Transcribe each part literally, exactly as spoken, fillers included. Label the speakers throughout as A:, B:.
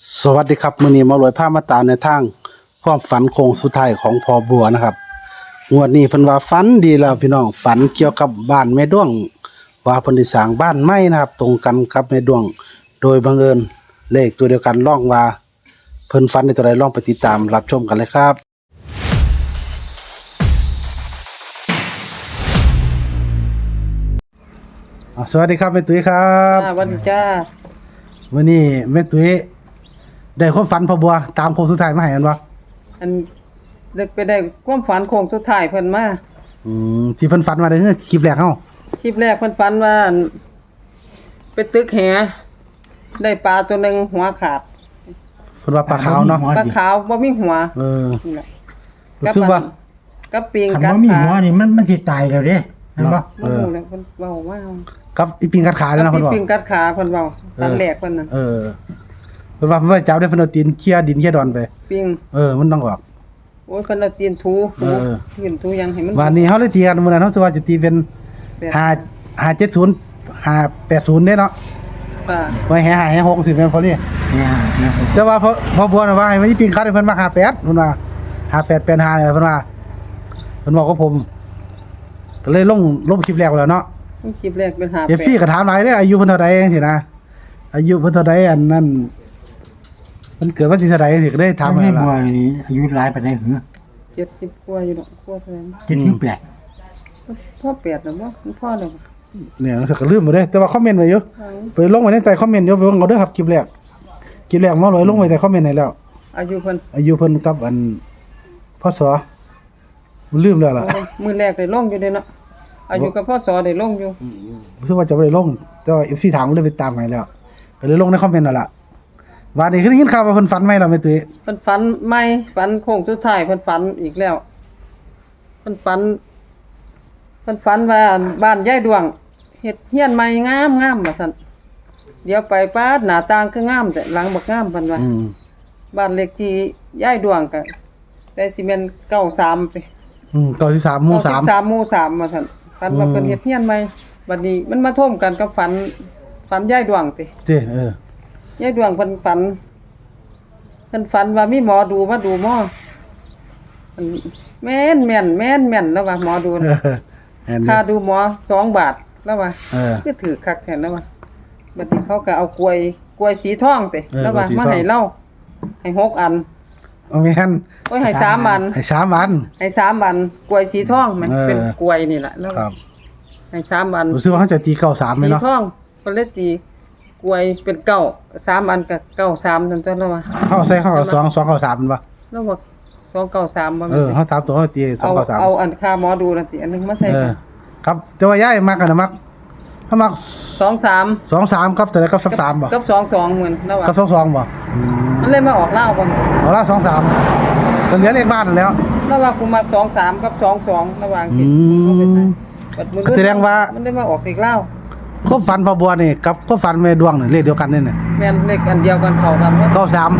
A: สวัสดีครับมื้อนี้มาลอยผ้ามาตามในทางความฝันโค้งสุดท้ายของพ่อบัวนะครับงวดนี้เพิ่นว่าฝันดีแล้วพี่น้องฝันเกี่ยวกับบ้านแม่ดวงว่าเพิ่นได้สร้างบ้านใหม่นะครับตรงกันกับแม่ดวงโดยบังเอิญเลขตัวเดียวกันลองว่าเพิ่นฝันในตัวใดลองไปติดตามรับชมกันเลยครับอ่าสวัสดีครับแม่ตุ้ยครับ
B: อ่าวันจ้า
A: วันนี้แม่ตุ้ยได้ความฝันพ่อบัวตามโค้งสุดท้ายมาให้กันบ่
B: อันได้ไปได้ความฝันโค้งสุดท้ายเพิ่นมา
A: อืมที่เพิ่นฝันมาได้คือคลิปแรกเฮา
B: คลิปแรกเพิ่นฝันว่าอั่นไปตึกแหได้ปลาตัวหนึงหัวขาด
A: เพิ่นว่าปลาขาวเนาะ
B: ปลาขาวบ่มีหัว
A: เออ
B: นี่แหละ
A: รู้สึกว่า
B: กับปิง
C: คัน
B: กัด
C: บ่มี
B: ขา
C: หัวนี่มันมันสิตายแล้วเด้แม่นบ่
B: บ่รู้เลยเพิ่นเว้าว่า
A: กับอีปิงกัดขาเลยนะ
B: กั
A: เพิ่นบอก
B: ปิงกัดขาเพิ่นเว้าตอนแรกเพิ่นน่ะ
A: เออเพิ่นว่าเพิ่นว่าจับได้เพิ่นเอาตีนเคี่ยดินเคี่ยดอนไป
B: ปิง
A: เออมันต้องออก
B: โอ้ยเพิ่นเอาตีนถูถู
A: เออ
B: ยืนถูยังให้มัน
A: วันนี้เฮาเลยตีกันมื้อนั้นเฮาสิว่าจะตีเป็น
B: แปด
A: ห้า ห้าเจ็ดศูนย์ ห้าแปดศูนย์เด้เนาะ
B: ป่า
A: ไว้แห่ห้าแห่หกสิแม่นพอนี่
C: เนี่ยเนี่ย
A: แต่ว่าพอพอบัวน่ะว่าให้มันอีปิงคัดให้เพิ่นมาห้าแปดเพิ่นว่าห้าแปดแปดห้าเนี่ยเพิ่นว่าเพิ่นบอกกับผม ก็เลยลงลงคลิปแรกไปแล้วเนาะ
B: คลิปแรกเป็นหา
A: เอฟซีก็ถามหลายเด้ออายุเพิ่นเท่าใดจังซี่นะอายุเพิ่นเท่าใดอันนั้นมันเกิดวันที่เท่าใดสิก็ได้ถา
C: ถาม ม
A: มา
C: ให้
A: แล้ว
C: บัว
A: ล่ะ
C: นี่อายุหลายปานใดหือ
B: เจ็ดสิบกว่าอยู่ดอกกว่าเท่านั้น
C: เจ็ดสิบแปด
B: พ่อแปดแล้วบ่มันพ่อแล้วบ่
A: เนี่ยรู้สึกก็ลืมไปเด้อแต่ว่าคอมเมนต์ไว้อยู่ไปลงไว้ในใต้คอมเมนต์อยู่ไปเบิ่งเอาเด้อครับคลิปแรกคลิปแรกหมอลอยลงไว้ใต้คอมเมนต์ให้แล้ว
B: อายุเพิ่น
A: อายุเพิ่นกับอันพศมันลืมแล้วล่ะ
B: โอ้มือแรกได้ลงอยู่เด้เนาะอายุกับพ่อสอได้ลงอยู่
A: รู้สึกว่าจะบ่ได้ลงแต่ว่า เอฟ ซี ถามก็เลยไปตามให้แล้วก็เลยลงในคอมเมนต์นั่นล่ะว่านี่คือได้ยินข่าวว่าเพิ่นฝันใหม่แล้วแม่ตุ้ย
B: เพิ่นฝันใหม่ฝันโค้งสุดท้ายเพิ่นฝันอีกแล้วเพิ่นฝันเพิ่นฝันว่าบ้านยายดวงเฮ็ดเฮียนใหม่งามงามว่าซั่นเดี๋ยวไปป๊าดหน้าต่างคืองามแต่หลังบ่งามเพิ่นว่า
A: อืม
B: บ้านเลขที่ยายดวงก็ได้สิแม่นเก้าสามไป
A: อืมเก้าสิบสามหมู่สาม
B: เก้สิบสามหมู่สามว่าซั่นฝันว่า
A: อืม
B: เพิ่นเฮ็ดเฮียนใหม่บัดนี้มันมาท่วมกันกับฝันฝันยายดวงติ
A: เด้เออย
B: ายดวงเพิ่นฝันเพิ่นฝันว่ามีหมอดูมาดูหมออันแม่นแม่นแม่นแม่นแล้วว่าหมอดู
A: เอ
B: น่ะ
A: อแอนนี้
B: ค่าดูหมอสองบาทแล้วว่า
A: เออ
B: คือถือคักแท้แล้วว่าบัดนี้เขาก็เอากล้วยกล้วยสีทองติ
A: เออ
B: แล้วว่าก
A: ล้วยสี
B: มา
A: ทอง
B: ให้เราให้หกอัน
A: เอาแม่น
B: โอ้ยให้สามอัน
A: ให้สามวัน
B: ให้สามอันกล้วยสีทองมัน
A: เออ
B: เป็นกล้วยนี่แหละแล้ว
A: ครับ
B: ให้สามอัน
A: รู้สึกว่าเขาจะตีเก้าสามไหม
B: สี
A: เนาะ
B: ทองเพิ่นเลยตีกล้วยเป็นเก้าสามอันก็เก้าสามนั่นตัวแล้วว่า
A: เขาใส่เข้ากับสองสองเก้าสามมันปะ
B: แล้วว่าสองเก้าสามบ่
A: เอ
B: แม่น
A: อ
B: ติ
A: เขาตามตัวเขาตีสอง
B: เอา
A: เก้าสาม
B: เอาอันค่าหมอดูนั่นสิอันหนึงมาใส่
A: เออครับแต่ว่าย้ายมากกันนะมักเขามัก
B: สองสาม
A: สองสามครับแต่ละกับสักสามบ่
B: กับสองสองเหมือนแล้วว่า
A: กับสองสองบ่อืม
B: มันเลยมาออกเหล้าบ่
A: เอาละสองสามตอนเหลือเลขบ้านนั่นแล้ว
B: แล้วว่ากูมาสองสามกับสองสองระหว่าง
A: อื
B: ที่
A: ม
B: บัดมื้อ
A: แสดงว่า
B: มันได้มาออกอีกเหล้า
A: ควบฝันพอบัวนี่กับควบฝันแม่ดวงนี่เลขเดียวกันนี่น่ะ
B: แม่นเลขอันเดียวกันเข้ากันว่า
A: เก้าสาม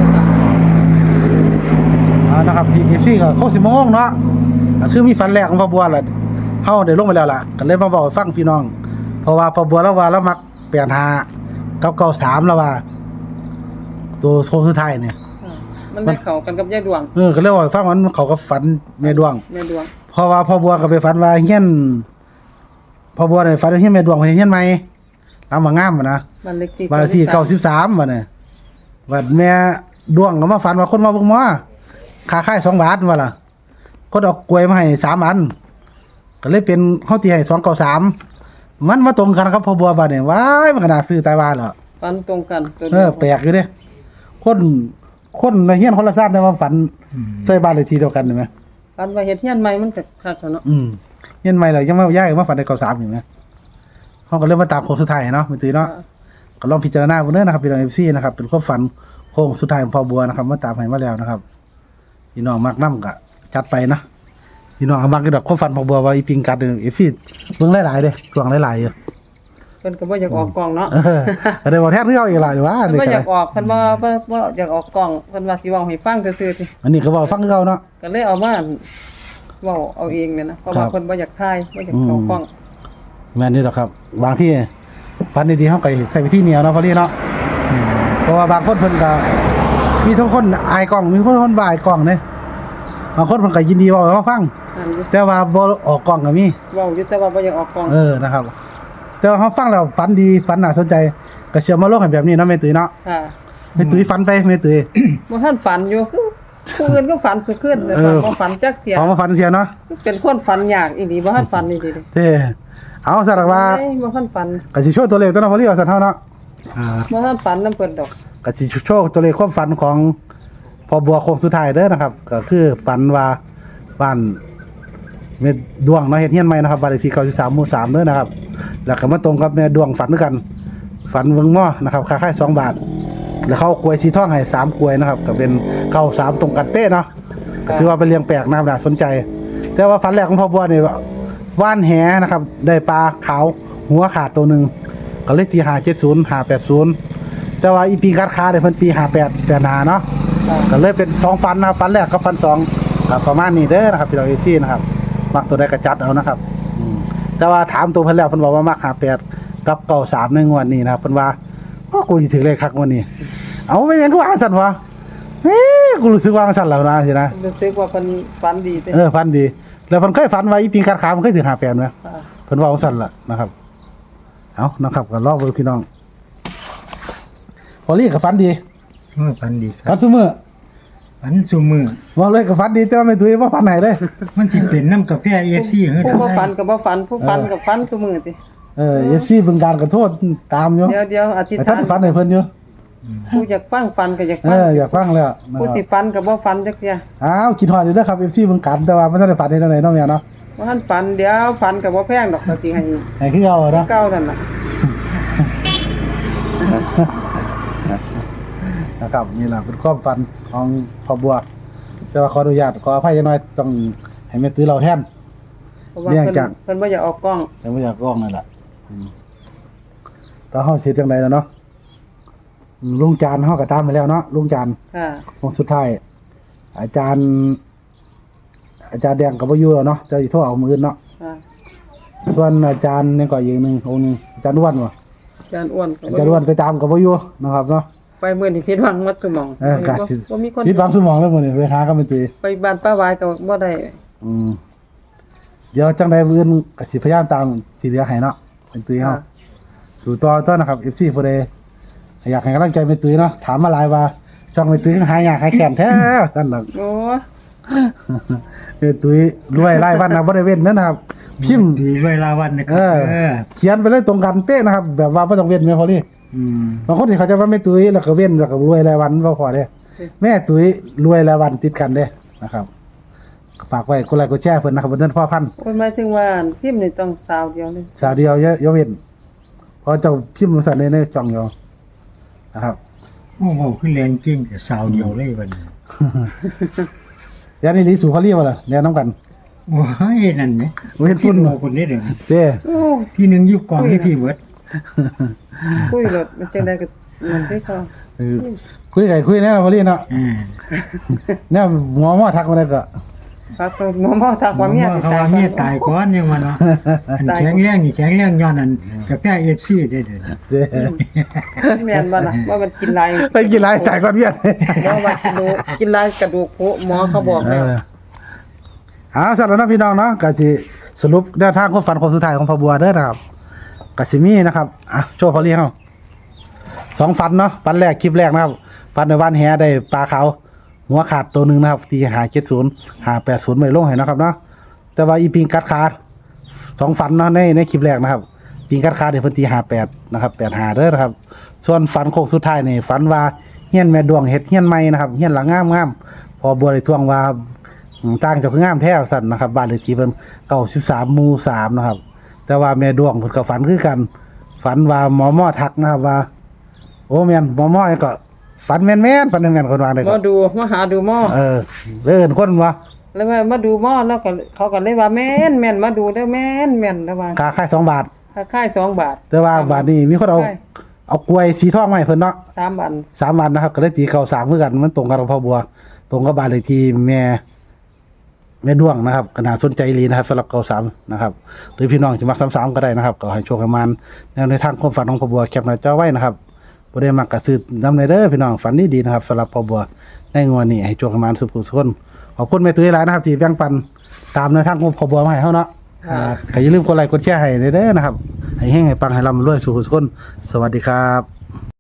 A: อ่านะครับเอฟซีก็เขาสิโมงเนาะก็คือมีฝันแรกของพอบัวแหละเฮาได้ลงไปแล้วล่ะก็เลยมาบอกให้ฟังพี่น้อง เพราะว่าพอบัวแล้วว่าแล้วมักแปดห้ากับเก้าสามแล้วว่า ตัวโค้งสุดท้ายเนี่ย
B: อ่ามันได้เข้ากันกับยายดวง
A: เออก็เลยบอกให้ฟังว่ามันเขาก็ฝันแม่ดวง
B: แม่ดวง
A: เพราะว่าพ่อบัวก็ไปฝันว่าเฮียนพ่อบัวเนี่ยฝันว่าเฮียนแม่ดวงเพิ่นเฮียนใหม่ลำบากงามบ่นะ
B: บ้านเลขที่
A: บ้านเลขที่เก้าสิบสามบ่เนี่ยบัดแม่ดวงก็มาฝันว่าคนมาเบิ่งหมอค่าค่ายสองบาทว่าล่ะคนเอากล้วยมาให้สามอันก็เลยเป็นเฮาตีให้สองเก้าสามมันมาตรงกันครับพ่อบัวบัดเนี่ยว้ายมันก็น่าซื้อตายว่าเหรอ
B: ฝันตรงกันตัว
A: เออแปลกอยู่เด้คนคนในเฮียนคนละชาติแต่ว่าฝันใส่บ้านเลขที่เดียวกันเห็นไหม
B: ฝันว่าเฮ็ดเฮียนใหม่มันก็คักแล้วเนาะ
A: อืมเฮียนใหม่เลยยังไม่ย้ายมาฝันในเก้าสามอยู่ไหมเขาก็เริ่มมาตามโค้งสุดท้ายเนาะเป็นตีเนาะก็ลองพิจารณาบนเนื้อนะครับพี่น้องเอฟซีนะครับเป็นความฝันโค้งสุดท้ายของพ่อบัวนะครับมาตามให้มาแล้วนะครับพี่น้องมักน้ำก็จัดไปนะพี่น้องมักก็ดอกความฝันพ่อบัวว่าอีปิงกัดเอฟซีเบิ่งหลายๆเด้ช่วงหลายๆอยู่
B: เพิ่นก็บ่อยากออกกล้องเนาะ
A: เออก็ได้บอกแทนที่เขาอีกหลายว่า
B: เพิ่น
A: นี่
B: บ่
A: ก็
B: อยากออกเพิ่นบ่บ่บ่อยากออกกล้องเพิ่นว่าสิเว้าให้ฟังซื่อๆติ
A: อันนี้ก็บอกฟังคือเขาเนาะ
B: ก็เลยเอามาเว้าเอาเองเนี่ยนะเพราะว่า
A: ครับ
B: เพิ่นบ่อยากถ่ายบ่อยากเข้ากล้อง
A: แม่นนี่แหละครับบางที่ฝันดีๆเขาก็ใส่ไปที่เหนียวเนาะพอดีเนาะอืมเพราะว่าบางคนเพิ่นก็มีทุกคนอายกล้องมีคนคนบ่อายกล้องเด้บางคนเพิ่นก็ยินดีเว้าให้เราฟัง
B: อันนี้
A: แต่ว่าบ่ออกกล้องก็มี
B: เว้าอยู่แต่ว่าบ่อยากออกกล้อง
A: เออนะครับ แต่ว่าเฮาฟังแล้วฝันดีฝันน่าสนใจก็เชื่อมาลงให้แบบนี้เนาะแม่ตุ้ยเนาะ
B: ค่ะ
A: แม่ตุ้ยฝันไปแม่ตุ้ย
B: บ่ทันฝันอยู่คือผู้อื่นก็ฝันสุขึ้นแต่
A: เออ
B: บ่ฝันจักเที่ย
A: พอมาฝันเที่ยเนาะ
B: เป็นคนฝันยากอีหลีบ่ทันฝันอีหลีเด้
A: เด้เอาซะล่ะว่า
B: เอ้ยบ่ทันฝัน
A: ก็สิโชว์ตัวเลขตัวเนาะพอดีว่าซั่นเฮาเนาะ
C: อ่า
B: บ่ทันฝันนำเพิ่นดอก
A: ก็สิโชว์ตัวเลขความฝันของพอบัวโค้งสุดท้ายเด้อนะครับ ก็คือฝันว่าบ้านแม่ดวงเนาะเฮ็ดเฮียนใหม่นะครับบ้านเลขที่เก้าสิบสามหมู่สามเด้อนะครับ แล้วก็มาตรงกับแม่ดวงฝันด้วยกัน ฝันเบิ่งหม้อนะครับค่าค่ายสองบาท แล้วเขาเอากล้วยสีทองให้สามกล้วยนะครับก็เป็นเก้าสามตรงกันเป๊ะเนาะก็ถือว่าเป็นเรื่องแปลกนะครับน่าสนใจ แต่ว่าฝันแรกของพ่อบัวนี่ว่านแหนะครับ ได้ปลาขาวหัวขาดตัวหนึงก็เลยตีห้าเจ็ดศูนย์ห้าแปดศูนย์แต่ว่าอีปีกัดขาเนี่ยเพิ่นตีห้าแปดแต่หนาเนาะ ก็เลยเป็นสองฟันนะครับฟันแรกกับฟันสองครับประมาณนี้เด้อนะครับพี่น้องเอซี่นะครับมักตัวได้กระจัดเอานะครับอืมแต่ว่าถามตัวเพิ่นแล้วเพิ่นบอกว่ามักหาแปดกับเก้าสามในงวดนี้นะครับเพิ่นว่าโอ้กูสิถึงเลขคักงวดนี้ เอาไปยังกูอ่านสั่นวะเฮ้ยกูรู้สึกว่าสั่นแล้วนะสินะ
B: รู้สึกว่าเพิ่นฝันดีเด้
A: เออฟันดี แล้วเพิ่นเคยฝันว่าอีปีกัดขามันเคยถึงหาแปดมั้ย
B: ค่ะ
A: เพิ่นว่าสั่นล่ะนะครับเอานะครับก็รอเบิ่งพี่น้องพอลี่ก็ฝันดี
C: เมื่อฝันดีค
A: ฝั
C: รั
A: น
C: บ
A: ซุมื้อ
C: ฝันซุมือ
A: ว่าเลยก็ฝันดีแต่ว่าไม่ตุ้ยบ่ฝันไหนเลย
C: มันสิเป็นน้ำกาแฟ เอ เอฟ ซี เฮ็ด
B: ผู้บ่ฝันก็บ่ฝันผู้ฝันก็ฝันซุมื้อติ
A: เออ เอฟ ซี บึงการก็โทษตามอยู่
B: เดี๋ยวเดี๋ยวอธิษ
A: แต่
B: ฐา
A: ท่าน
B: น
A: ฝันให้เพิ่นอยู่
B: ผู้อยากฟังฝันก็อยาก
A: เอ
B: ฟัง
A: ออยากฟังแล้วนะ
B: ผู้
A: ค
B: สิ
A: รับ
B: ฝันก็บ่ฝันจักเที่ย
A: อ้าวคิดฮอดอยู่เด้อครับ เอฟ ซี บึงการแต่ว่าบ่ทันได้ฝันได้จังไดเนาะแม่เนาะ
B: บ่ทันฝันเดี๋ยวฝันก็บ่แพงดอกก็สิให้
A: ให้คือเอาเนาะ
B: เก่านั่นน่ะ
A: นะครับนี่ล่ะเป็นความฝันของพ่อบัว แต่ว่าขออนุญาตขออภัยจังหน่อยต้องให้แม่ตื้อเราแทน
B: เพราะว่า
A: เนื่อง
B: เพิ่น
A: จาก
B: เพิ่นบ่อยากออกกล้อง
A: แต่บ่อยากร้องนั่นล่ะอืมก็เฮาสิจังไดล่ะเนาะอืมลุงจานเฮาก็ตามไปแล้วเนาะลุงจาน
B: ค่ะ
A: วงสุดท้ายอาจารย์ อาจารย์แดงกับวายุแล้วเนาะจะอีโทรเอามืออนเนาะ
B: ค่ะ
A: ส่วนอาจารย์นี่ก็อีกหนึ่งองค์หนึงอาจารย์อ้วนวะ
B: อาจารย์อ้วนก็
A: อาจารย์อ้วนไปตามกับวายุนะครับเนาะ
B: ไปมื้อนี้ผิดหวังหมดสมอง
A: เออ
B: บ่
A: กะ
B: บ่มีคน
A: คิดความสมองแล้วหมดนี่ไปหากันเป็นตี
B: ไปบ้านป้าวายก็บ่ได้
A: อืมเดี๋ยวจังใดมื้ออื่นก็สิพยายามตามสิเหลือให้เนาะเป็นตีเฮา
B: ค่ะ
A: สู่ต่อต่อนะครับ เอฟ ซี ผู้ใดอยากให้กำลังใจเป็นตีเนาะถามมาหลายว่าช่องเป็นตีหายากหายแค้นแท้ซั่นดอก
B: โอ้
A: เออตุ้ยรวยรายวันนะบ่ได้เว้นเด้อนะครับ พิมพ์
C: ดีเวลาวันนะค
A: เอ
C: รับ
A: อ
C: เออ
A: เขียนไปเลยตรงกันเป๊ะนะครับ แบบว่าบ่ต้องเว้นแม่พอลี่
C: อืม
A: บางคนที่เขาจะว่าแม่ตุ้ยแล้วก็เว้นแล้วก็รวยรายวันบ่พอเด้แม่ตุ้ยรวยรายวันติดกันเด้นะครับฝากไว้กดไลค์กดแชร์เพิ่นนะครับเพิ่นพ่อพันธุ์
B: โอ้ยหมายถึงว่าพิมพ์นี่ต้องสาวเดียวนึง
A: สาวเดียวอย่าอย่าเว้นเพราะเจ้าพิมพ์สั่นในในช่องอยู่นะครับ
C: โอ้โหคือแรงจริงแต่สาวเดียวเลยวันนี้
A: ยานี่ลีสู่เขาเรียกว่าล่ะแนะนํกัน
C: โอ้ยนั่นไหม
A: บ่เห็นฝุ่น
C: เราคนนี้เดี๋ยวนี้
A: เด้
B: โอ้
C: ที่หนึ่งอยุคกองให้พี่เวิร์ด
B: คุยรถมันจังได๋ก็มันได้เขา
A: เออคุยไก่คุยแน่พอลี่เนาะ
C: อ่า
A: แน่หมอหมอทักมาได้ก็
B: ครับหมอหมอทักว่าเมีย
C: เขาว่าเมียตายก่อนยังวะเนาะอันแข็งแรงนี่แข็งแรงย้อนอันกาแฟ เอ ฟ ซี ได้เด้อ
A: เด้
B: แม่นบ่ล่ะว่ามันกินหลาย
A: ไปกินหลายจ่ายก่อนเวียน
B: บ่ว่ากินดูกินหลายกระดูกโผหมอเขาบอก
A: เอ
B: แล้ว
A: อเอาสั่นแล้วนะพี่น้องเนาะก็สิสรุปแนวทางความฝันคนสุดท้ายของพ่อบัวเด้อนะครับก็สิมีนะครับอ่ะโชว์พอลี่เฮาสองฝันเนาะฝันแรกคลิปแรกนะครับฝันในวันแหได้ปลาขาวหัวขาดตัวหนึงนะครับตีหาเจ็ดศูนย์หาแปดศูนย์ไม่ลงให้นะครับเนาะแต่ว่าอีปิงกัดขาดสองฝันเนาะในในคลิปแรกนะครับปิงกัดขาดเดี๋ยวเพิ่นตีหาแปดนะครับแปดหาเด้อนะครับ ส่วนฝันโค้งสุดท้ายนี่ฝันว่าเฮียนแม่ดวงเฮ็ดเฮียนใหม่นะครับเฮียนหลังงามๆพอบัวได้ทวงว่าอืมต่างจากคืองามแท้สั่นนะครับบ้านเลขที่เพิ่นเก้าสิบสามหมู่สามนะครับ แต่ว่าแม่ดวงเพิ่นก็ฝันคือกัน ฝันว่าหมอหมอทักนะครับว่า โอ้แม่นหมอหมอนี่ก็ฝันแม่นๆฝันแม่นๆคนว่าได้
B: หม
A: ก็
B: อดูมาหาดูหมอ
A: เออเอิ้นคนว่า
B: แล้วว่ามาดูหมอแล้วก็เขาก็เลยว่าแม่นแม่นมาดูเด้อแม่นแม่นแล้วว่า
A: ค่าค่ายสองบาท
B: ค่าค่ายสองบาท
A: แต่ว่าบาทนี้มีคนเอา
B: ใช่
A: เอากล้วยสีทองมาให้เพิ่นเนาะ
B: สามบาท
A: สามวันนะครับก็เลยตีเก่าสามเหมือนกันมันตรงกับพ่อบัว ตรงกับบ้านเลขที่แม่แม่ดวงนะครับก็น่าสนใจอีหลีนะครับสำหรับเก่าสามนะครับหรือพี่น้องจะมักสามสามก็ได้นะครับก็ให้โชคให้มันแนวในทางความฝันของพ่อบัวแคปหน้าจอไว้นะครับบ่ได้มักกระซื้อนำในเด้อพี่น้องฝันดีๆนะครับสำหรับพ่อบัวในงวดนี้ให้โชคประมาณสุขสุขคนขอบคุณแม่ตุ้ยหลายนะครับที่แบ่งปันตามแนวทางของพ่อบัวมาให้เฮาเนาะ
B: ค่ะ
A: ก็อย่าลืมกดไลค์กดแชร์ให้เด้อนะครับให้แฮงให้ปังให้ร่ำรวยสุขสุขคนสวัสดีครับ